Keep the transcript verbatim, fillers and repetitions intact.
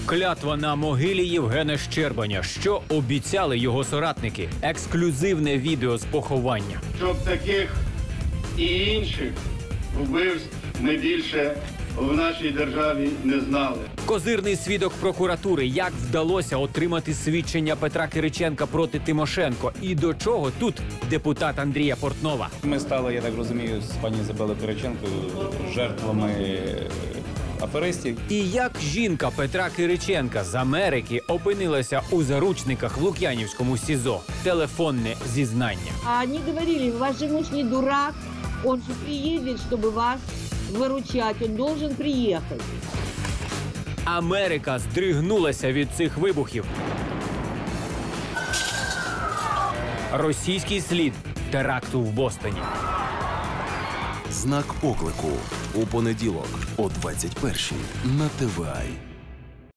Клятва на могилі Євгена Щербаня. Що обіцяли його соратники? Ексклюзивне відео з поховання. Щоб таких і інших вбивств ми більше в нашій державі не знали. Козирний свідок прокуратури. Як вдалося отримати свідчення Петра Кириченка проти Тимошенко? І до чого тут депутат Андрія Портнова? Ми стали, я так розумію, з пані Ізабелою Кириченкою жертвами аферистів. І як жінка Петра Кириченка з Америки опинилася у заручниках в Лук'янівському СІЗО? Телефонне зізнання. А они говорили, ваш же муж не дурак, он же приедет, чтобы вас выручать, он должен приехать. Америка здригнулася від цих вибухів. Російський слід теракту в Бостоні. Знак оклику у понеділок о двадцять першій на Т В А.